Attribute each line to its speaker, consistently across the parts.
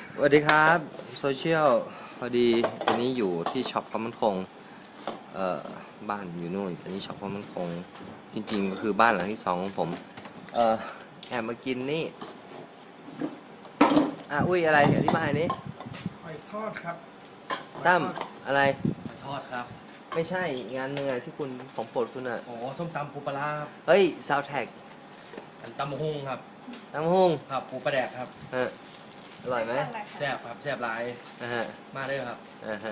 Speaker 1: สวัสดีครับโซเชียลพอดีอันนี้อยู่ที่ช็อปความมั่นคงบ้านอยู่นู่นอันนี้ช็อปความมั่นคงจริงๆก็คือบ้านหลังที่สองของผมแอบมากินนี่อุ้ยอะไรอธิบายนี้
Speaker 2: หอยทอดครับ
Speaker 1: ตั้มอะไร
Speaker 3: หอยทอดครับ
Speaker 1: ไม่ใช่งานหนึ่งที่คุณของโปรดคุณอ่ะ
Speaker 3: โอ้ส้มตำปูปลาร้าครับ
Speaker 1: เฮ้ยซาวแท็ก
Speaker 3: ตำมะฮุ่งครับ
Speaker 1: ตำหุ้ง
Speaker 3: ครับปูปลาแดกครับ
Speaker 1: อร่อยไหม
Speaker 3: แซ่บครับแซ่บหลายมาเลยครับ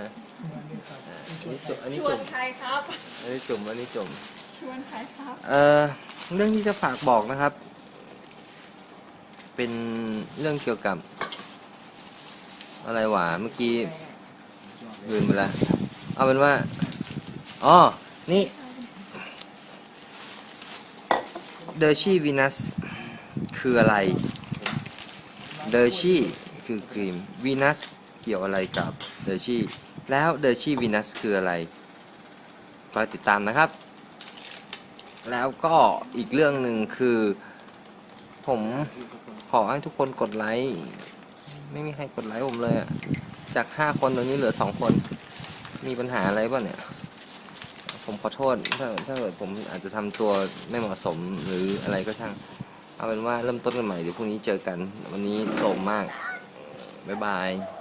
Speaker 1: อันนี้
Speaker 4: ชวนใครครับ
Speaker 1: อันนี้จุ่มอันนี้จุ่ม
Speaker 4: ชวนใครครับ
Speaker 1: เรื่องที่จะฝากบอกนะครับเป็นเรื่องเกี่ยวกับอะไรวะเมื่อกี้ลืมไปแล้วเอาเป็นว่านี่เดอร์ชี่วีนัสคืออะไรเดอร์ชี่คือครีมวีนัสเกี่ยวอะไรกับเดอร์ชี่แล้วเดอร์ชี่วีนัสคืออะไรคอยติดตามนะครับแล้วก็อีกเรื่องหนึ่งคือผมขอให้ทุกคนกดไลค์ไม่มีใครกดไลค์ผมเลยอะจาก5 คนตอนนี้เหลือ2 คนมีปัญหาอะไรป่ะเนี่ยผมขอโทษถ้าเกิดผมอาจจะทำตัวไม่เหมาะสมหรืออะไรก็ช่างเอาเป็นว่าเริ่มต้นกันใหม่เดี๋ยวพรุ่งนี้เจอกันวันนี้โสมมากบ๊ายบาย